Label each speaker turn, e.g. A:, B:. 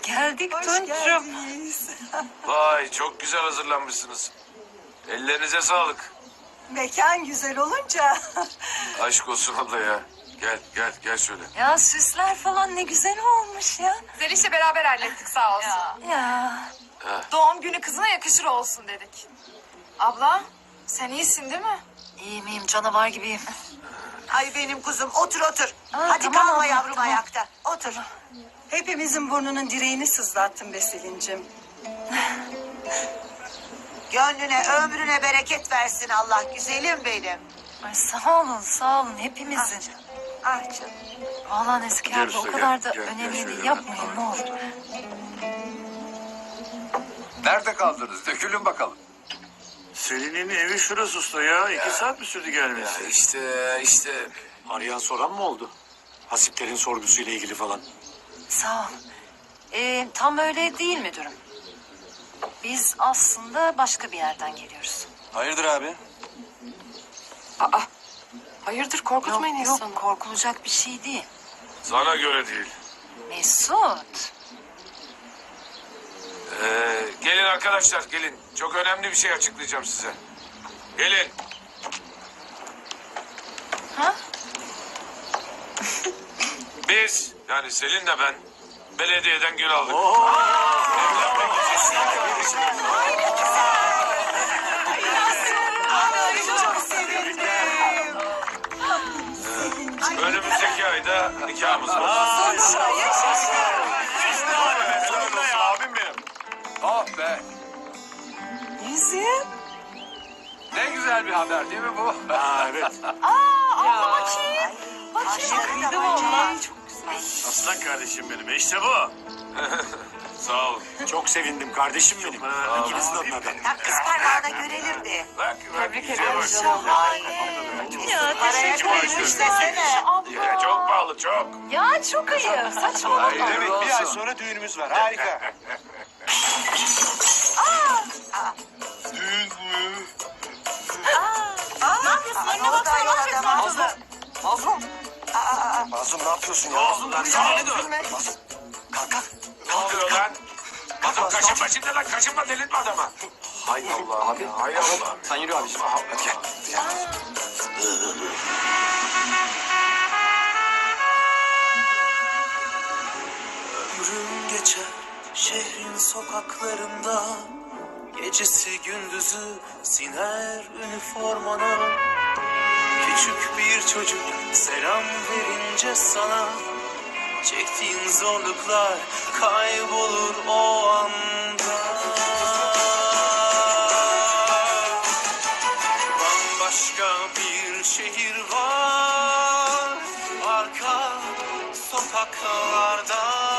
A: geldik
B: Hoş
A: Tunç'um.
B: geldiniz.
C: Vay çok güzel hazırlanmışsınız. Ellerinize sağlık.
B: Mekan güzel olunca.
C: Aşk olsun abla ya. Gel şöyle.
A: Ya süsler falan ne güzel olmuş ya.
D: Zeliş'le beraber hallettik sağ olsun.
A: Ya.
D: Doğum günü kızına yakışır olsun dedik. Abla sen iyisin değil mi?
A: İyiyim canavar gibiyim.
B: Ay benim kuzum otur otur. Hadi
A: tamam
B: kalma
A: abla,
B: yavrum
A: tamam.
B: ayakta. Otur. Hepimizin burnunun direğini sızlattın be Selin'cim. Gönlüne ömrüne bereket versin Allah güzelim benim.
A: Ay sağ olun hepimizin.
B: Ah canım.
A: Vallahi Nezike
C: Gel
A: abla o
C: usta,
A: kadar da
C: gel
A: önemli
C: şöyle
A: değil.
C: ben.
A: Yapmayın ne olur.
E: Nerede kaldınız? Dökülün bakalım.
F: Selin'in evi şurası usta ya. 2 saat mi sürdü gelmesi?
C: İşte.
F: Arayan soran mı oldu? Hasiplerin sorgusuyla ilgili falan.
A: Sağ ol. Tam öyle değil müdürüm. Biz aslında başka bir yerden geliyoruz.
F: Hayırdır abi?
D: Hayırdır korkutmayın insanı.
A: Yok korkulacak bir şey değil.
C: Sana göre değil.
A: Mesut.
C: Gelin arkadaşlar gelin. Çok önemli bir şey açıklayacağım size. Gelin.
A: Ha?
C: Biz yani Selin'le ben belediyeden gül aldık.
B: Çok sevindim.
C: Önümüzdeki ayda nikahımız var.
F: Abim benim.
E: Oh be.
B: Yüzüğüm.
E: Ne güzel bir haber değil mi bu?
F: Evet.
B: Kıydım valla.
F: Aslan kardeşim benim. İşte bu.
C: Sağ olun.
F: Çok sevindim kardeşim benim. İkinizin adına da.
B: Tam kız parmağına görelim de.
C: Bak,
D: Tebrik
C: güzel
D: ederim
C: bak.
D: canım.
A: Ya
B: Paraya
A: teşekkür ederim.
B: koymuş desene.
C: Ya, çok pahalı çok.
A: Ya çok ayıp. Saçmalama.
F: Evet bir ay sonra düğünümüz var. Harika.
B: Ne yapıyorsun? Önüne baksana. Ne yapıyorsun?
F: Mazlum.
B: Aa,
F: Mazlum ne yapıyorsun ya?
C: Mazlum lan sen ne dur?
F: Kalk kalk.
C: Ne oluyor lan? Adam kaşınma şimdi lan kaşınma delirtme adama. Hay Allah abi. Hay Allah.
F: Sen yürü abiciğim. Hadi gel.
G: Ömrüm geçer şehrin sokaklarında, gecesi gündüzü siner üniformana. Küçük bir çocuk selam verince sana, çektiğin zorluklar kaybolur o anda. Bambaşka bir şehir var arka sokaklarda.